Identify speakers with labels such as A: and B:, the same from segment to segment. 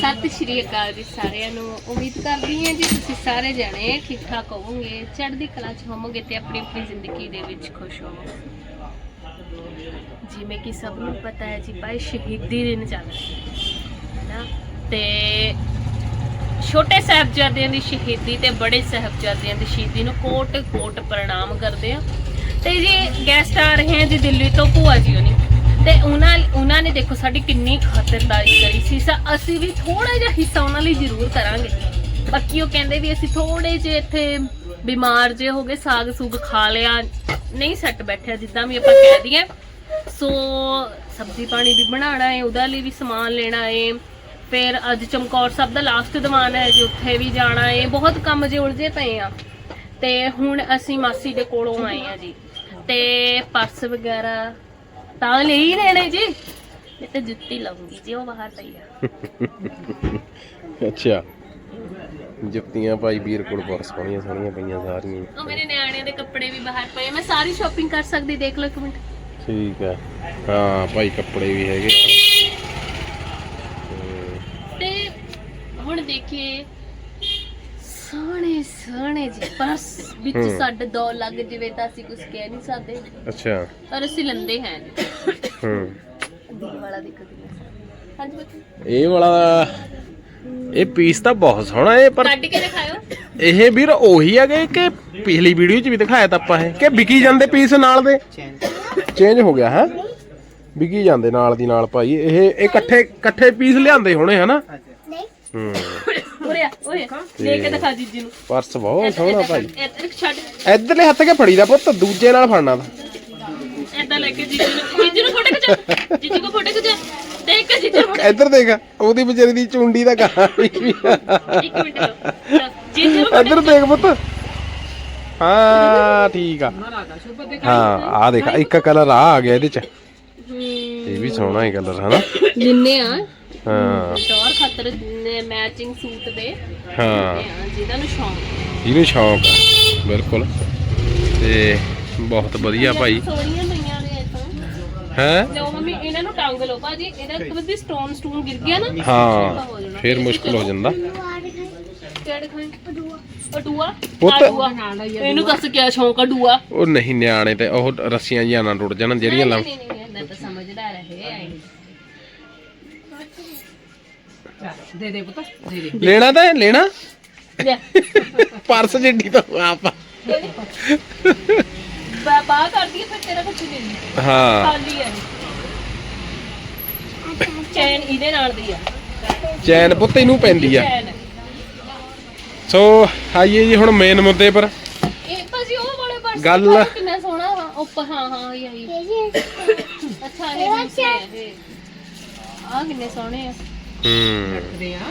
A: ਸਤਿ ਸ਼੍ਰੀ ਅਕਾਲ ਜੀ ਸਾਰਿਆਂ ਨੂੰ। ਉਮੀਦ ਕਰਦੀ ਹਾਂ ਜੀ ਤੁਸੀਂ ਸਾਰੇ ਜਣੇ ਠੀਕ ਠਾਕ ਹੋਵੋਗੇ, ਚੜ੍ਹਦੀ ਕਲਾ 'ਚ ਹੋਵੋਗੇ ਤੇ ਆਪਣੀ ਆਪਣੀ ਜ਼ਿੰਦਗੀ ਦੇ ਵਿੱਚ ਖੁਸ਼ ਹੋਵੋਗੇ। ਜਿਵੇਂ ਕਿ ਸਭ ਨੂੰ ਪਤਾ ਹੈ ਜੀ ਭਾਈ ਸ਼ਹੀਦੀ ਦਿਨ ਚੱਲ ਰਿਹਾ ਹੈ ਨਾ, ਤੇ ਛੋਟੇ ਸਾਹਿਬਜ਼ਾਦਿਆਂ ਦੀ ਸ਼ਹੀਦੀ ਤੇ ਬੜੇ ਸਾਹਿਬਜ਼ਾਦਿਆਂ ਦੀ ਸ਼ਹੀਦੀ ਨੂੰ ਕੋਟ ਕੋਟ ਪ੍ਰਣਾਮ ਕਰਦੇ ਆ। ਤੇ ਜੀ ਗੈਸਟ ਆ ਰਹੇ ਆ ਜੀ ਦਿੱਲੀ ਤੋਂ, ਭੂਆ ਜੀ ਹੋਣੀ, ਤੇ ਉਹਨਾਂ ਨੇ ਦੇਖੋ ਸਾਡੀ ਕਿੰਨੀ ਖਾਤਰਦਾਰੀ ਕਰੀ ਸੀ। ਅਸੀਂ ਵੀ ਥੋੜਾ ਜਿਹਾ ਹਿੱਸਾ ਉਹਨਾਂ ਲਈ ਜ਼ਰੂਰ ਕਰਾਂਗੇ। ਬਾਕੀ ਉਹ ਕਹਿੰਦੇ ਵੀ ਅਸੀਂ ਥੋੜੇ ਜਿਹੇ ਇੱਥੇ ਬਿਮਾਰ ਜੇ ਹੋ ਗਏ, ਸਾਗ ਸੂਗ ਖਾ ਲਿਆ, ਨਹੀਂ ਸੈੱਟ ਬੈਠਿਆ ਜਿੱਦਾਂ ਵੀ ਆਪਾਂ ਕਹਿ ਦਈਏ। ਸੋ ਸਬਜ਼ੀ ਪਾਣੀ ਵੀ ਬਣਾਉਣਾ ਹੈ, ਉਹਦੇ ਲਈ ਵੀ ਸਮਾਨ ਲੈਣਾ ਹੈ। ਫਿਰ ਅੱਜ ਚਮਕੌਰ ਸਾਹਿਬ ਦਾ ਲਾਸਟ ਦੀਵਾਨ ਹੈ ਜੀ, ਉੱਥੇ ਵੀ ਜਾਣਾ ਹੈ। ਬਹੁਤ ਕੰਮ ਜੇ ਉਲਝੇ ਪਏ ਆ। ਤੇ ਹੁਣ ਅਸੀਂ ਮਾਸੀ ਦੇ ਕੋਲੋਂ ਆਏ ਆ ਜੀ, ਤੇ ਪਰਸ ਵਗੈਰਾ ਤਾਂ ਲੈ ਹੀ ਲੈਣੇ ਜੀ, ਮੈਂ ਤਾਂ ਜੁੱਤੀ ਲਾਉਂਗੀ ਜੀ, ਉਹ ਬਾਹਰ ਪਈ ਆ।
B: ਅੱਛਾ, ਜੁੱਤੀਆਂ ਭਾਈ ਵੀਰ ਕੋਲ ਬਹੁਤ ਸੋਹਣੀਆਂ ਸੋਹਣੀਆਂ ਪਈਆਂ ਸਾਰੀਆਂ।
A: ਉਹ ਮੇਰੇ ਨਿਆਣਿਆਂ ਦੇ ਕੱਪੜੇ ਵੀ ਬਾਹਰ ਪਏ, ਮੈਂ ਸਾਰੀ ਸ਼ਾਪਿੰਗ ਕਰ ਸਕਦੀ, ਦੇਖ ਲਓ ਇੱਕ ਮਿੰਟ।
B: ਠੀਕ ਹੈ, ਹਾਂ ਭਾਈ ਕੱਪੜੇ ਵੀ ਹੈਗੇ
A: ਤੇ ਹੁਣ ਦੇਖੀਏ ਸੋਹਣੇ ਸੋਹਣੇ ਜੀ ਪਰਸ ਵਿੱਚ ਸਾਡੇ 2 ਲੱਗ ਜਿਵੇਂ ਤਾਂ ਅਸੀਂ ਕੁਝ ਕਹਿ ਨਹੀਂ ਸਕਦੇ।
B: ਅੱਛਾ,
A: ਪਰ ਅਸੀਂ ਲੰਦੇ ਹੈ ਵਾਲਾ ਦੇਖੋ। ਹਾਂਜੀ
B: ਇਹ ਵਾਲਾ ਇਹ ਪੀਸ ਤਾਂ ਬਹੁਤ ਸੋਹਣਾ ਹੈ, ਪਰ
A: ਕੱਢ ਕੇ ਦਿਖਾਓ।
B: ਇਹ ਵੀਰ ਉਹੀ ਹੈਗੇ ਕਿ ਪਿਛਲੀ ਵੀਡੀਓ 'ਚ ਵੀ ਦਿਖਾਇਆ ਤਾਂ ਆਪਾਂ, ਇਹ ਕਿ ਵਿਕੀ ਜਾਂਦੇ ਪੀਸ ਨਾਲ ਦੇ ਚੇਂਜ ਹੋ ਗਿਆ ਹੈ, ਵਿਕੀ ਜਾਂਦੇ ਨਾਲ ਦੀ ਨਾਲ ਭਾਈ। ਇਹ ਇਕੱਠੇ ਪੀਸ ਲਿਆਂਦੇ ਹੋਣੇ ਹਨਾ।
A: ਲੈ ਕੇ ਦਿਖਾ ਜੀਜੀ ਨੂੰ।
B: ਪਰਸ ਬਹੁਤ ਸੋਹਣਾ ਭਾਈ।
A: ਛੱਡ
B: ਇਧਰਲੇ ਹੱਥ ਕੇ ਫੜੀ ਦਾ ਪੁੱਤ, ਦੂਜੇ ਨਾਲ ਫੜਨਾ ਦਾ।
A: ਏਦਾਂ ਲੈ ਕੇ ਜੀਜੀ ਨੂੰ ਫੋਟੋ ਖਿਚਾ, ਜੀਜੀ ਕੋ ਫੋਟੋ ਖਿਚਾ, ਦੇਖ ਕੇ ਜੀਜੀ ਨੂੰ।
B: ਇੱਧਰ ਦੇਖ, ਉਹਦੀ ਵਿਚਾਰੀ ਦੀ ਚੁੰਡੀ ਦਾ ਕਹਾਂ ਵੀ।
A: ਇੱਕ ਮਿੰਟ ਲਓ ਜੀਜੀ ਨੂੰ।
B: ਇੱਧਰ ਦੇਖ ਪੁੱਤ, ਹਾਂ ਠੀਕ ਆ। ਹਾਂ ਆ ਦੇਖ, ਇੱਕ ਕਲਰ ਆ ਗਿਆ ਇਹਦੇ ਚ, ਇਹ ਵੀ ਸੋਹਣਾ ਹੀ ਕਲਰ ਹੈ ਨਾ।
A: ਜਿੰਨੇ ਆ
B: ਹਾਂ
A: ਟੌਰ ਖਾਤਰ ਮੈਚਿੰਗ ਸੂਟ ਦੇ
B: ਹਾਂ,
A: ਜਿਹਨਾਂ ਨੂੰ ਸ਼ੌਂਕ,
B: ਇਹਨੂੰ ਸ਼ੌਂਕ ਆ ਬਿਲਕੁਲ। ਤੇ ਬਹੁਤ ਵਧੀਆ ਭਾਈ,
A: ਸੋਹਣੀਆਂ ਪਈਆਂ ਨੇ ਇਦਾਂ
B: ਹੈ।
A: ਲਓ ਮੰਮੀ ਇਹਨਾਂ ਨੂੰ ਟੰਗ ਲਓ ਭਾਜੀ, ਇਹਦਾ ਕਦੇ ਸਟੋਨ ਗਿਰ ਗਿਆ ਨਾ,
B: ਹਾਂ ਫਿਰ ਮੁਸ਼ਕਲ ਹੋ ਜਾਂਦਾ।
A: ਕਿਹੜੇ ਖਾਂ ਅਡੂਆ
B: ਪੁੱਤ
A: ਇਹਨੂੰ ਦੱਸ ਕਿਆ ਸ਼ੌਂਕ ਅਡੂਆ।
B: ਉਹ ਨਹੀਂ, ਨਿਆਣੇ ਤੇ ਉਹ ਰੱਸੀਆਂ ਜਿਹੀਆਂ ਨਾ ਟੁੱਟ ਜਾਣ ਜਿਹੜੀਆਂ ਲਾ।
A: ਨਹੀਂ ਤਾਂ ਸਮਝਦਾਰ ਹੈ। ਦੇ ਦੇ ਪੁੱਤ, ਦੇ ਦੇ।
B: ਲੈਣਾ ਤਾਂ ਲੈਣਾ
A: ਲੈ
B: ਪਰਸ ਜਿੱਡੀ ਤਾਂ ਆਪ
A: ਬਾਹਰ ਕਰਦੀ ਫਿਰ ਤੇਰਾ ਕੁਝ ਨਹੀਂ ਲੈਂਦੀ।
B: ਹਾਂ
A: ਖਾਲੀ ਹੈ ਚੈਨ ਇਹਦੇ ਨਾਲ ਦੀ ਆ,
B: ਚੈਨ ਪੁੱਤ ਇਹਨੂੰ ਪੈਂਦੀ ਆ।
A: ਚੈਨ।
B: ਸੋ ਆਈਏ ਜੀ ਹੁਣ ਮੇਨ ਮੁੱਦੇ ਪਰ।
A: ਇਹ ਭਾਜੀ ਉਹ ਵਾਲੇ ਪਰਸ
B: ਗੱਲ
A: ਕਿੰਨਾ ਸੋਹਣਾ ਵਾ ਉੱਪਰ। ਹਾਂ ਇਹ ਅੱਛਾ ਇਹ ਆ ਕਿੰਨੇ ਸੋਹਣੇ ਆ।
B: ਰੱਖਦੇ ਆ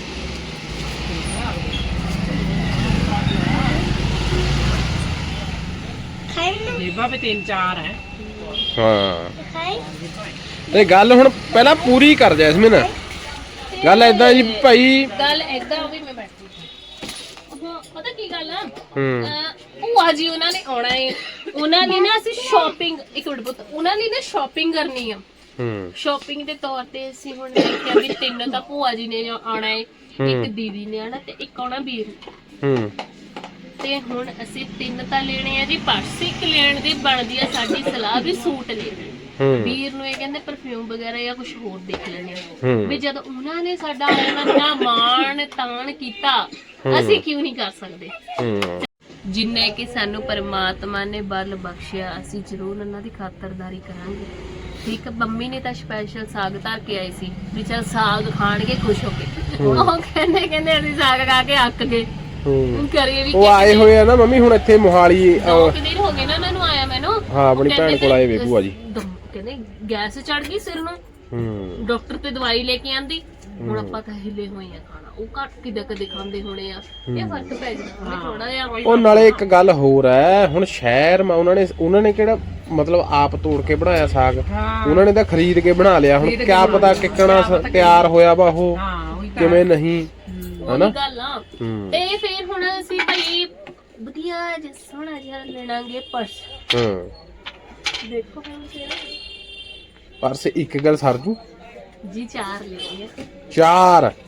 C: ਜੇਬਾਂ ਵੀ 3-4 ਹੈ।
B: ਹਾਂ ਤੇ ਗੱਲ ਹੁਣ ਪਹਿਲਾਂ ਪੂਰੀ ਕਰ ਜੈਸਮੀਨ। ਗੱਲ ਏਦਾਂ ਜੀ ਭਾਈ,
A: ਗੱਲ ਏਦਾਂ ਵੀ ਮੈਂ ਬੈਠੀ ਪਤਾ ਕੀ ਗੱਲ ਆ।
B: ਹੂੰ
A: ਭੂਆ ਜੀ ਉਹਨਾਂ ਨੇ ਆਉਣਾ ਹੈ, ਉਹਨਾਂ ਲਈ ਨਾ ਅਸੀਂ ਸ਼ਾਪਿੰਗ, ਇੱਕ ਮਿੰਟ ਪੁੱਤ, ਉਹਨਾਂ ਲਈ ਨਾ ਸ਼ਾਪਿੰਗ ਕਰਨੀ ਆ। ਸ਼ਾਪਿੰਗ ਦੇ ਤੌਰ ਤੇ ਅਸੀਂ ਹੁਣ ਦੇਖਿਆ ਵੀ 3 ਤਾਂ ਭੂਆ ਜੀ ਨੇ ਆਉਣਾ ਹੈ, ਇੱਕ ਦੀਦੀ ਨੇ ਆਉਣਾ ਤੇ ਇੱਕ ਆਉਣਾ ਵੀਰ ਨੇ। ਤੇ ਹੁਣ ਅਸੀਂ 3 ਤਾਂ ਲੈਣੇ ਆ ਜੀ ਪਰਸ। ਇੱਕ ਲੈਣ ਦੀ ਬਣਦੀ ਆ ਸਾਡੀ ਸਲਾਹ ਵੀ ਸੂਟ ਲੈਣੇ। ਵੀਰ ਨੂੰ ਇਹ ਕਹਿੰਦੇ ਪਰਫਿਊਮ ਵਗੈਰਾ ਜਾਂ ਕੁਝ ਹੋਰ ਦੇਖ ਲੈਣੇ ਆ ਵੀ ਜਦੋਂ ਉਹਨਾਂ ਨੇ ਸਾਡਾ ਇੰਨਾ ਮਾਣ ਤਾਣ ਕੀਤਾ, ਅਸੀਂ ਕਿਉਂ ਨਹੀਂ ਕਰ ਸਕਦੇ। ਜਿੰਨੇ ਕਿ ਸਾਨੂੰ ਪਰਮਾਤਮਾ ਨੇ ਬਲ ਬਖਸ਼ਿਆ, ਅਸੀਂ ਜ਼ਰੂਰ ਉਹਨਾਂ ਦੀ ਖਾਤਰਦਾਰੀ ਕਰਾਂਗੇ। ਠੀਕ, ਮੰਮੀ ਨੇ ਤਾਂ ਸਪੈਸ਼ਲ ਸਾਗ ਧਰ ਕੇ ਆਈ ਸੀ ਵੀ ਚਲ ਸਾਗ ਖਾਣਗੇ ਖੁਸ਼ ਹੋ ਕੇ। ਉਹ ਕਹਿੰਦੇ ਅਸੀਂ ਸਾਗ ਖਾ ਕੇ ਅੱਕ ਗਏ। ਕਰੀਏ ਵੀ,
B: ਉਹ ਆਏ ਹੋਏ ਆ ਨਾ ਮੰਮੀ ਹੁਣ ਇੱਥੇ ਮੋਹਾਲੀ।
A: 2 ਦਿਨ ਹੋ ਗਏ ਨਾ ਉਹਨਾਂ ਨੂੰ ਆਇਆ ਮੈਨੂੰ।
B: ਹਾਂ ਆਪਣੀ ਭੈਣ ਕੋਲ ਆਏ ਵੇ ਭੂਆ ਜੀ।
A: ਕਹਿੰਦੇ ਗੈਸ ਚੜ ਗਈ ਸਿਰ ਨੂੰ, ਡਾਕਟਰ ਤੇ ਦਵਾਈ ਲੈ ਕੇ ਆਂਦੀ। ਹੁਣ ਆਪਾਂ ਤਾਂ ਹਿੱਲੇ ਹੋਏ ਆ ਖਾਣਾ, ਉਹ ਘੱਟ ਕਦੇ ਖਾਂਦੇ ਹੋਣੇ ਆ, ਇਹ ਫਰਕ ਪੈ ਜਾਂਦਾ ਥੋੜਾ ਜਿਹਾ। ਉਹ
B: ਨਾਲੇ ਇੱਕ ਗੱਲ ਹੋਰ ਹੈ, ਹੁਣ ਸ਼ਹਿਰ ਮਾ ਉਹਨਾਂ ਨੇ ਕਿਹੜਾ ਮਤਲਬ ਆਪ ਤੋੜ ਕੇ ਬਣਾਇਆ ਸਾਗ, ਉਹਨਾਂ ਨੇ ਤਾਂ ਖਰੀਦ ਕੇ ਬਣਾ ਲਿਆ। ਹੁਣ ਕਿਆ ਪਤਾ ਕਿੱਕਣਾ ਤਿਆਰ ਹੋਇਆ ਵਾ ਉਹ ਕਿਵੇਂ ਨਹੀਂ, ਹਨਾ
A: ਗੱਲ ਆ। ਤੇ ਫਿਰ ਹੁਣ ਅਸੀਂ ਭਾਈ ਵਧੀਆ ਜਿਹਾ ਸੋਹਣਾ ਜਿਹਾ ਲੈਣਾਗੇ ਪਰਸ। ਦੇਖੋ
B: ਪਰਸ ਇੱਕ ਗੱਲ ਸਰ ਜੂ
A: ਜੀ 4 ਲੈਣਗੇ।
B: 4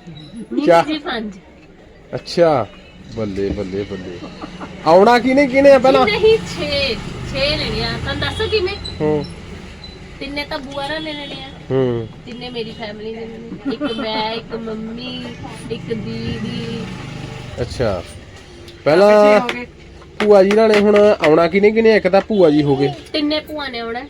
B: ਚਾਰ।
A: ਜੀ 5
B: ਅੱਛਾ ਬੱਲੇ ਬੱਲੇ ਬੱਲੇ। ਆਉਣਾ ਕਿਨੇ ਆ ਪਹਿਲਾਂ?
A: ਨਹੀਂ 6 ਲੈਣੇ ਆ। ਤੁਹਾਨੂੰ ਦੱਸੋ ਕਿਵੇਂ?
B: ਹੂੰ
A: ਤਿੰਨੇ ਤਾਂ ਬੂਆ ਨਾਲ ਲੈ ਲੈਣੇ ਆ।
B: ਹੂੰ
A: ਤਿੰਨੇ ਮੇਰੀ ਫੈਮਿਲੀ ਦੇ ਨੇ। ਇੱਕ ਮੈਂ, ਇੱਕ ਮੰਮੀ, ਇੱਕ ਦੀਦੀ।
B: ਅੱਛਾ ਪਹਿਲਾਂ ਭੂਆ ਜੀ ਨਾਲ ਨੇ ਹੁਣ ਆਉਣਾ ਕਿਨੇ ਇੱਕ ਤਾਂ ਭੂਆ ਜੀ ਹੋ ਗਏ।
A: ਤਿੰਨੇ ਭੂਆ ਨੇ ਆਉਣਾ।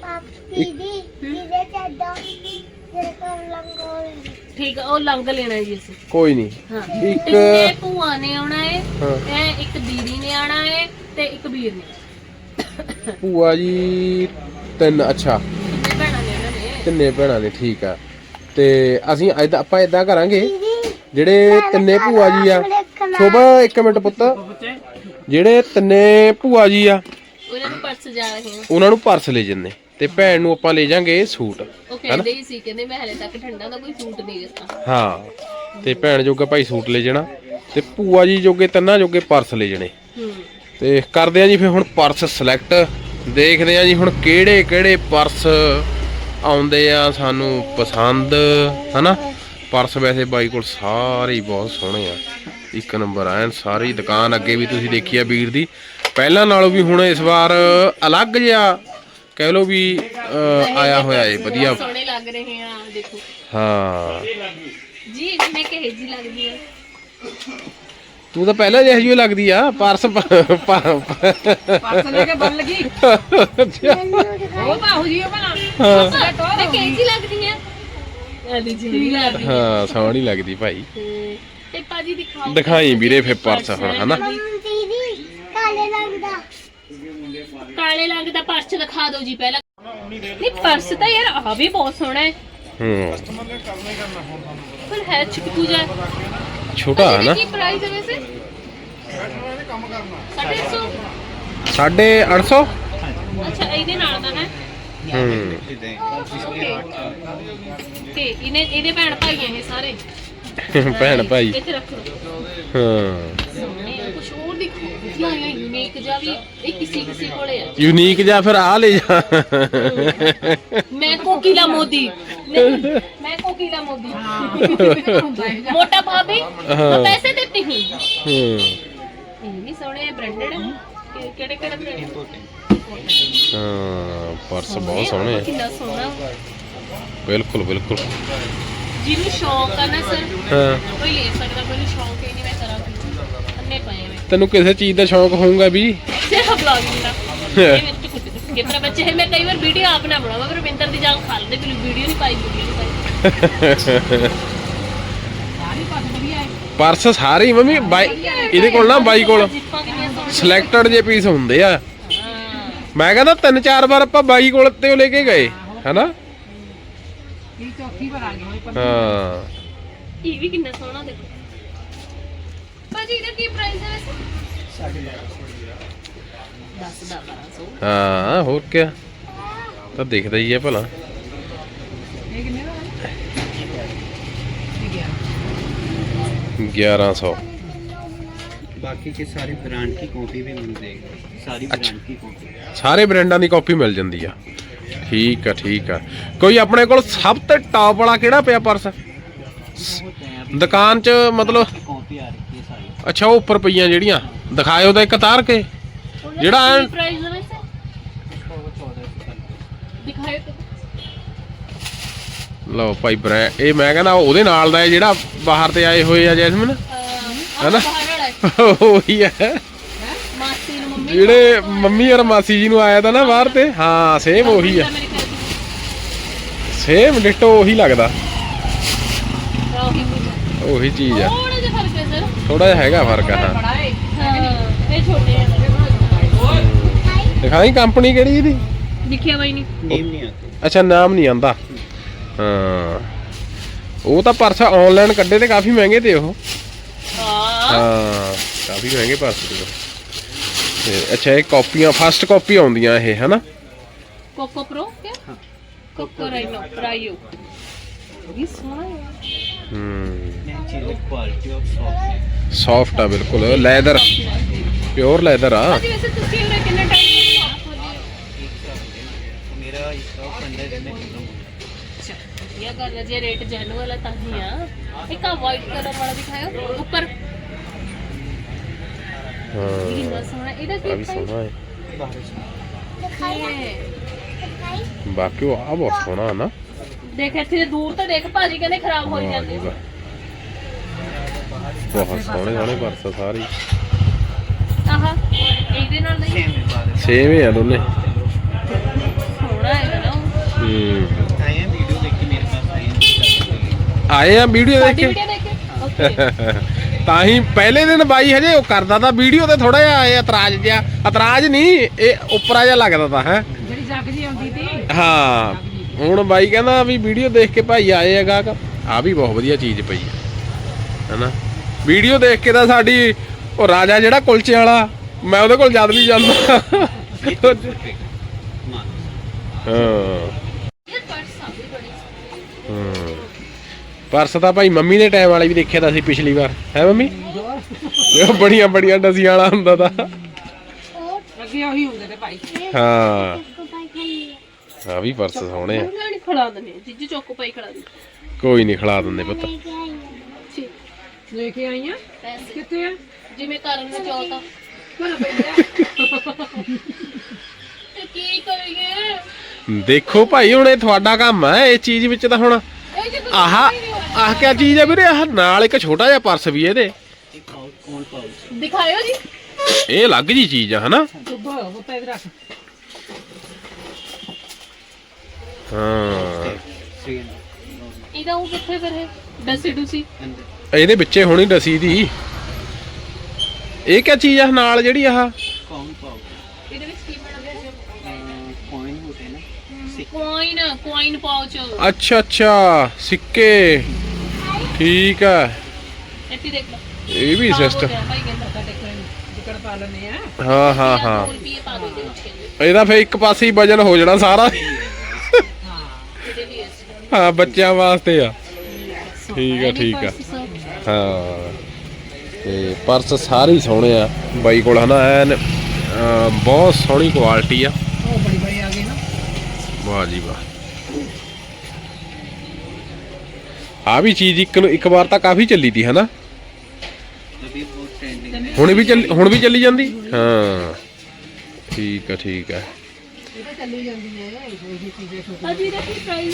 A: ਠੀਕ ਆ, ਉਹ ਲੰਗ ਲੈਣਾ ਜੀ ਅਸੀਂ।
B: ਕੋਈ ਨਹੀਂ
A: ਹਾਂ
B: ਇੱਕ
A: ਤਿੰਨੇ ਭੂਆ ਨੇ ਆਉਣਾ ਹੈ।
B: ਹਾਂ।
A: ਇਹ ਇੱਕ ਦੀਦੀ ਨੇ ਆਉਣਾ ਹੈ ਤੇ ਇੱਕ ਵੀਰ ਨੇ।
B: ਭੂਆ ਜੀ ਤਿੰਨ। ਅੱਛਾ
A: ਤਿੰਨੇ ਭੈਣਾਂ ਨੇ ਉਹਨਾਂ ਨੇ।
B: ਤਿੰਨੇ ਭੈਣਾਂ ਨੇ ਠੀਕ ਆ। ਤੇ ਅਸੀਂ ਆਪਾਂ ਇਦਾਂ ਕਰਾਂਗੇ ਜਿਹੜੇ ਤਿੰਨੇ ਭੂਆ ਜੀ ਆ। ਸ਼ੋਭਾ ਇੱਕ ਮਿੰਟ ਪੁੱਤ। ਜਿਹੜੇ ਤਿੰਨੇ ਭੂਆ ਜੀ ਆ
A: ਉਹਨਾਂ ਨੂੰ ਪਰਸ ਜਾ ਰਹੇ ਹਾਂ।
B: ਉਹਨਾਂ ਨੂੰ ਪਰਸ ਲੈ ਜੰਨੇ ਤੇ ਭੈਣ ਨੂੰ ਆਪਾਂ ਲੈ ਜਾਾਂਗੇ ਸੂਟ।
A: ਉਹ ਕਹਿੰਦੇ ਹੀ ਸੀ, ਕਹਿੰਦੇ ਮੈਂ ਹਲੇ ਤੱਕ ਠੰਡਾ ਦਾ ਕੋਈ ਸੂਟ ਨਹੀਂ ਦਿੱਤਾ।
B: ਹਾਂ ਤੇ ਭੈਣ ਜੋਗਾ ਭਾਈ ਸੂਟ ਲੈ ਜਾਣਾ ਤੇ ਭੂਆ ਜੀ ਜੋਗੇ ਤਿੰਨਾਂ ਜੋਗੇ ਪਰਸ ਲੈ ਜਣੇ। ਤੇ ਕਰਦੇ ਆ ਜੀ ਫਿਰ ਹੁਣ ਪਰਸ ਸਿਲੈਕਟ। ਦੇਖਦੇ ਆ ਜੀ ਹੁਣ ਕਿਹੜੇ ਪਰਸ ਆਉਂਦੇ ਆ ਸਾਨੂੰ ਪਸੰਦ, ਹਨਾ। ਪਰਸ ਵੈਸੇ ਬਾਈ ਕੋਲ ਸਾਰੇ ਹੀ ਬਹੁਤ ਸੋਹਣੇ ਆ, ਇੱਕ ਨੰਬਰ ਐਨ। ਸਾਰੀ ਦੁਕਾਨ ਅੱਗੇ ਵੀ ਤੁਸੀਂ ਦੇਖੀ ਆ ਵੀਰ ਦੀ, ਪਹਿਲਾਂ ਨਾਲੋਂ ਵੀ ਹੁਣ ਇਸ ਵਾਰ ਅਲੱਗ ਜਿਹਾ ਕਹਿ ਲੋ ਵੀ ਆਇਆ ਹੋਇਆ ਏ ਵਧੀਆ।
A: ਸੋਹਣੇ ਲੱਗ ਰਹੇ ਆ ਦੇਖੋ।
B: ਹਾਂ
A: ਜੀ ਮੈਂ ਕਿਹੇ ਜੀ ਲੱਗਦੀ ਆ।
B: ਤੂੰ ਤਾਂ ਪਹਿਲਾਂ ਜਿਹੀ ਜਿਹੀ ਲੱਗਦੀ ਆ। ਪਰਸ
C: ਲੈ ਕੇ ਬੰਨ ਲਗੀ ਉਹ ਬਾਹੂ ਜੀ ਉਹ ਬਣਾ
A: ਮੈਂ ਕਿਹੇ ਜੀ ਲੱਗਦੀ ਆ। ਆਦੀ ਜੀ ਲੱਗਦੀ।
B: ਹਾਂ ਸੋਹਣੀ ਲੱਗਦੀ ਭਾਈ।
A: ਤੇ ਭਾਜੀ ਦਿਖਾਓ।
B: ਦਿਖਾਈ ਵੀਰੇ ਫਿਰ ਪਰਸ ਹੁਣ, ਹਨਾ।
A: ਕਾਲੇ ਰੰਗ ਦਾ ਪਰਸ ਦਿਖਾ ਦਿਓ ਜੀ ਪਹਿਲਾਂ। ਨਹੀਂ ਪਰਸ ਤਾਂ ਯਾਰ ਆ ਵੀ ਬਹੁਤ ਸੋਹਣਾ ਹੈ। ਪਰ ਹੈ ਚਿਕੂ ਜਾ
B: ਛੋਟਾ ਹੈ ਨਾ।
A: ਕੀ ਪ੍ਰਾਈਸ ਹੈ ਵੈਸੇ? 850।
B: 850।
A: ਅੱਛਾ ਇਹਦੇ ਨਾਲ ਦਾ ਹੈ। ਤੇ ਇਹਦੇ ਭੈਣ ਭਾਈ ਆ ਇਹ ਸਾਰੇ।
B: ਭੈਣ ਭਾਈ।
A: ਇੱਥੇ ਰੱਖੋ।
B: ਹਾਂ
A: ਕੁਝ ਹੋਰ ਦਿਖਾਓ। ਵਧੀਆ ਯੂਨੀਕ ਜਿਹਾ ਵੀ ਇਹ ਕਿਸੇ ਕੋਲੇ ਆ।
B: ਯੂਨੀਕ ਜਾਂ ਫਿਰ ਆ ਲੈ ਜਾ।
A: ਮੈਂ ਕੋਕਿਲਾ ਮੋਦੀ। नहीं, मैं कोकिला मोदी। मोटा भाभी मैं पैसे देती हूँ। ये भी सोने ब्रांडेड है। केड़े ब्रांड?
B: हाँ पर्स बहुत सोने हैं।
A: कितना सोना।
B: बिल्कुल बिल्कुल।
A: जिन्हें शौक है ना सर कोई ले सकता, कोई शौक ही नहीं। मैं करा अन्ने पाए मैं।
B: तेनू किसी चीज का शौक होगा भी?
A: सिर्फ ब्लॉगिंग का। कितना बच्चे है, मैं कई बार वीडियो आप ना बनावा पर विंटर दी जाग खा लेते फिर वीडियो नहीं पाई।
B: पर्स सारे मम्मी बाई ਇਹਦੇ ਕੋਲ ਨਾ ਬਾਈ ਕੋਲ ਸਿਲੈਕਟਡ ਜੇ ਪੀਸ ਹੁੰਦੇ ਆ। ਮੈਂ ਕਹਿੰਦਾ 3-4 ਵਾਰ ਆਪਾਂ ਬਾਈ ਕੋਲ ਤੇ ਉਹ ਲੈ ਕੇ ਗਏ ਹੈਨਾ।
C: ਇਹ ਚੌਥੀ ਵਾਰ ਆ ਗਏ।
B: ਹਾਂ
A: ਇਹ ਵੀ ਕਿੰਨਾ ਸੋਹਣਾ ਦੇਖੋ ਭਾਜੀ। ਇਹਦਾ ਕੀ ਪ੍ਰਾਈਸ ਹੈ ਵੈਸੇ? 10-1200।
B: ਹਾਂ ਹੋਰ ਕੀ ਤਾਂ ਦਿਖਦਾ ਹੀ ਹੈ ਭਲਾ।
C: ਇਹ ਕਿੰਨੇ ਦਾ ਹੈ?
B: 1100।
D: बाकी के सारे ब्रांड की कॉपी भी मिल जाएगी। सारी ब्रांड की कॉपी,
B: ਸਾਰੇ ਬ੍ਰਾਂਡਾਂ ਦੀ ਕਾਪੀ ਮਿਲ ਜਾਂਦੀ ਆ। ਠੀਕ ਆ ਠੀਕ ਆ। ਕੋਈ ਆਪਣੇ ਕੋਲ ਸਭ ਤੋਂ ਟਾਪ ਵਾਲਾ ਕਿਹੜਾ ਪਿਆ ਪਰਸ ਦੁਕਾਨ 'ਚ? ਮਤਲਬ
D: कॉपी आ रही है सारी।
B: ਅੱਛਾ ਉਹ ਉੱਪਰ ਪਈਆਂ ਜਿਹੜੀਆਂ ਦਿਖਾਇਓ ਤਾਂ ਇੱਕ ਤਾਰ ਕੇ ਜਿਹੜਾ
A: ਪ੍ਰਾਈਸ ਹੈ ਵੈਸੇ?
D: 1400
A: ਦਿਖਾਇਓ
B: ਲਓ ਭਾਈ ਬ੍ਰੈਂਡ। ਇਹ ਮੈਂ ਕਹਿੰਦਾ ਉਹਦੇ ਨਾਲ ਦਾ ਹੈ ਜਿਹੜਾ ਬਾਹਰ ਤੇ ਆਏ ਹੋਏ ਆ ਜੈਸਮਿਨ ਹੈਨਾ। ਉਹੀ ਹੈ
A: ਮਾਸੀ ਨੂੰ ਮੰਮੀ
B: ਜਿਹੜੇ ਮੰਮੀ ਔਰ ਮਾਸੀ ਜੀ ਨੂੰ ਆਇਆ ਤਾਂ ਨਾ ਬਾਹਰ ਤੇ। ਹਾਂ ਸੇਮ ਉਹੀ ਆ, ਸੇਮ ਡਿਟੋ ਉਹੀ ਲੱਗਦਾ। ਉਹੀ ਚੀਜ਼ ਆ।
A: ਥੋੜਾ ਜਿਹਾ ਫਰਕ ਹੈ ਸਰ।
B: ਥੋੜਾ ਜਿਹਾ ਹੈਗਾ ਫਰਕ ਆ। ਹਾਂ
C: बड़ा है।
A: ਹਾਂ ਇਹ ਛੋਟੇ ਆ।
B: ਦਿਖਾਈ ਕੰਪਨੀ ਕਿਹੜੀ ਇਹਦੀ?
A: ਦਿਖਿਆ ਬਾਈ ਨਹੀਂ।
D: नेम नहीं आते।
B: ਅੱਛਾ ਨਾਮ ਨਹੀਂ ਆਂਦਾ। ਹਾਂ ਉਹ ਤਾਂ ਪਰਸ ਆਨਲਾਈਨ ਕੱਢੇ ਤੇ ਕਾਫੀ ਮਹਿੰਗੇ ਤੇ ਉਹ। ਹਾਂ ਕਾਫੀ ਮਹਿੰਗੇ ਪਰਸ ਤੇ। ਤੇ ਅੱਛਾ ਇਹ ਕਾਪੀਆਂ ਫਸਟ ਕਾਪੀ ਆਉਂਦੀਆਂ ਇਹ ਹਨਾ।
A: ਕੋਕੋ ਪ੍ਰੋ ਕਿਆ? ਕੋਕੋ ਰਾਈਓ ਇਹ ਸੋਹਣਾ ਹੈ।
D: नई चीज़ क्वालिटी और सॉफ्ट।
B: ਸੌਫਟ ਆ ਬਿਲਕੁਲ। ਲੈਦਰ ਪਿਓਰ ਲੈਦਰ ਆ।
A: ਅਸੀਂ ਵੈਸੇ ਤੁਸੀਂ ਉਰੇ ਕਿੰਨੇ ਟਾਈਮ
D: मेरा स्टॉक 15 दिन में खत्म हो गया।
A: ਵਧੀਆ ਗੱਲ ਹੈ ਜੇ ਰੇਟ ਜੈਨੂਅਲ ਹੈ ਤਾਂ ਹੀ ਆ। ਇੱਕ ਆ ਵਾਈਟ ਕਲਰ ਵਾਲਾ ਦਿਖਾਇਓ ਉੱਪਰ
B: ਹਾਂ
A: ਕਿੰਨਾ ਸੋਹਣਾ ਇਹਦਾ
B: ਆ ਵੀ
A: ਕੀ
B: ਸੋਹਣਾ ਹੈ
A: ਹੈ
B: ਬਾਕੀ ਉਹ ਆ ਬਹੁਤ ਸੋਹਣਾ ਨਾ।
A: ਦੇਖ ਇੱਥੇ ਦੂਰ ਤਾਂ ਦੇਖ ਭਾਜੀ ਕਹਿੰਦੇ ਖਰਾਬ ਹੋ
B: ਵਾਹ ਜੀ
A: ਜਾਂਦੇ
B: ਵਾਹ, ਬਹੁਤ ਸੋਹਣੇ ਸੋਹਣੇ ਪਰਸ ਸਾਰੇ
A: ਆਹ ਇਹਦੇ ਨਾਲ ਨਹੀਂ
D: सेम है बारह
B: ਸੇਮ ਹੀ ਆ ਦੋਨੇ।
A: ਸੋਹਣਾ ਹੈਗਾ ਨਾ ਉਹ।
D: आए हैं वीडियो देख के मेरे पास आए हैं
B: ਆਏ ਆ ਵੀਡੀਓ ਦੇਖ
A: ਸਾਡੀ
B: ਕੇ
A: ਵੀਡੀਓ ਦੇਖ ਕੇ ਓਕੇ
B: ਤਾਂ ਹੀ ਪਹਿਲੇ ਦਿਨ ਬਾਈ ਹਜੇ ਉਹ ਕਰਦਾ ਤਾਂ ਵੀਡੀਓ ਤੇ ਥੋੜਾ ਜਿਹਾ ਇਤਰਾਜ਼ ਜਿਹਾ, ਇਤਰਾਜ਼ ਨਹੀਂ ਇਹ ਉੱਪਰਾ ਜਿਹਾ ਲੱਗਦਾ ਤਾਂ ਹੈ।
C: ਜਿਹੜੀ ਜੱਗ ਜੀ ਆਉਂਦੀ ਤੀ
B: ਹਾਂ ਹੁਣ ਬਾਈ ਕਹਿੰਦਾ ਵੀ ਵੀਡੀਓ ਦੇਖ ਕੇ ਭਾਈ ਆਏ ਆ ਗਾਹਕ। ਆ ਵੀ ਬਹੁਤ ਵਧੀਆ ਚੀਜ਼ ਪਈ ਹੈ ਹਨਾ। ਵੀਡੀਓ ਦੇਖ ਕੇ ਤਾਂ ਸਾਡੀ ਉਹ ਰਾਜਾ ਜਿਹੜਾ ਕੁਲਚੇ ਵਾਲਾ ਮੈਂ ਉਹਦੇ ਕੋਲ ਜਦ ਵੀ ਜਾਂਦਾ
D: ये तो perfect मान
B: ਹਾਂ
A: ਇਹ ਪਰਸ ਆ ਵੀ ਬੜੀ
B: ਹੂੰ। ਪਰਸ ਤਾਂ ਭਾਈ ਮੰਮੀ ਦੇ ਟਾਈਮ ਵਾਲੇ ਵੀ ਦੇਖਿਆ ਤਾਂ ਸੀ ਪਿਛਲੀ ਵਾਰ ਹੈ ਮੰਮੀ। ਉਹ ਬੜੀਆਂ ਬੜੀਆਂ ਡਸੀਆਂ ਵਾਲਾ ਹੁੰਦਾ ਤਾਂ
C: ਅੱਗੇ ਉਹੀ ਹੁੰਦੇ ਤੇ ਭਾਈ।
B: ਹਾਂ। ਆ ਵੀ ਪਰਸ ਸੋਹਣੇ ਆ।
A: ਉਹਨਾਂ ਨੇ ਖੜਾ ਦਨੇ ਜਿੱਜ ਚੌਕੋ ਪਾਈ ਖੜਾ ਦੀ
B: ਕੋਈ ਨਹੀਂ ਖਿਲਾ ਦਿੰਦੇ ਪੁੱਤ।
A: ਠੀਕ
C: ਲੈ ਕੇ ਆਈਆਂ
A: ਪੈਸੇ
C: ਕਿੱਥੇ ਆ?
A: ਜਿਵੇਂ ਕਰਨ ਨੂੰ ਚਾਹਤਾ
C: ਭਲਾ ਪਈਆ
A: ਤੇ ਕੀ ਕਰੀਏ
B: ਦੇਖੋ ਭਾਈ ਹੁਣ ਇਹ ਤੁਹਾਡਾ ਕੰਮ ਹੈ ਇਹ ਚੀਜ਼ ਵਿੱਚ ਤਾਂ ਹੁਣ
A: ਇਹ ਜੇ
B: ਆਹ ਕਿਆ ਚੀਜ਼ ਹੈ ਵੀਰੇ। ਆਹ ਨਾਲ ਇੱਕ ਛੋਟਾ ਜਿਹਾ ਪਰਸ ਵੀ ਇਹਦੇ
D: एक पाउच कौन पाउच
A: ਦਿਖਾਇਓ ਜੀ
B: ਇਹ ਅਲੱਗ ਜੀ ਚੀਜ਼ ਆ ਹਨਾ।
C: ਸੁੱਭਾ ਬੁੱਤਾ ਇਧਰ ਰੱਖ।
B: ਹਾਂ
A: ਇਹਦਾ ਉਹ ਕਿੱਥੇ ਫਿਰ ਹੈ ਡਸੀ ਡੂਸੀ
D: अंदर
B: ਇਹਦੇ ਵਿੱਚੇ ਹੋਣੀ ਡਸੀ ਦੀ। ਇਹ ਕਿਆ ਚੀਜ਼ ਆ ਨਾਲ ਜਿਹੜੀ ਆਹ
D: कौन पाउच
A: ਇਹਦੇ ਵਿੱਚ ਕੀ ਬਣਦਾ ਜੀ
D: कॉइन होते हैं ना
A: ਕੋਇਨ ਪਾਉਚ
B: ਅੱਛਾ ਅੱਛਾ ਸਿੱਕੇ ਠੀਕ ਆ।
A: ਇੱਥੇ ਦੇਖ ਲਓ
B: ਇਹ ਵੀ ਸਿਸਟਮ
A: ਭਾਈ ਕਹਿੰਦਾ
C: ਸਾਡੇ ਕੋਲ ਜਿਕੜ ਪਾ ਲੈਨੇ ਆ।
B: ਹਾਂ ਹਾਂ ਹਾਂ।
A: 2 ਰੁਪਏ ਪਾ ਦੋ ਦੇ ਵਿੱਚ
B: ਇਹਦਾ ਫੇਰ ਇੱਕ ਪਾਸੇ ਹੀ ਵਜਨ ਹੋ ਜਾਣਾ ਸਾਰਾ।
C: ਹਾਂ
A: ਇਹਦੇ ਵੀ ਇਸ
B: ਹਾਂ ਬੱਚਿਆਂ ਵਾਸਤੇ ਆ। ਠੀਕ ਆ ਠੀਕ ਆ ਹਾਂ। ਤੇ ਪਰਸ ਸਾਰੇ ਹੀ ਸੋਹਣੇ ਆ ਬਾਈ ਕੋਲ ਹਨਾ ਐਨ ਬਹੁਤ ਸੋਹਣੀ ਕੁਆਲਿਟੀ ਆ।
C: ਉਹ ਬੜੀ ਬੜੀ ਆ ਗਈ ਨਾ।
B: ਵਾਹ ਜੀ ਵਾਹ। ਆ ਵੀ ਚੀਜ਼ ਇੱਕ ਵਾਰ ਤਾਂ ਕਾਫੀ ਚੱਲੀ ਤੀ ਹਨਾ।
D: अभी बहुत ट्रेंडिंग है
B: ਹੁਣ ਵੀ ਚੱਲੀ ਜਾਂਦੀ। ਹਾਂ ਠੀਕ ਆ ਠੀਕ ਆ।
C: ਇਹ ਤਾਂ ਚੱਲੀ ਜਾਂਦੀ ਹੈ ਇਹੀ ਚੀਜ਼ਾਂ ਛੋਟੀਆਂ।
A: ਅਜੀ ਦਾ ਕੀ ਪ੍ਰਾਈਸ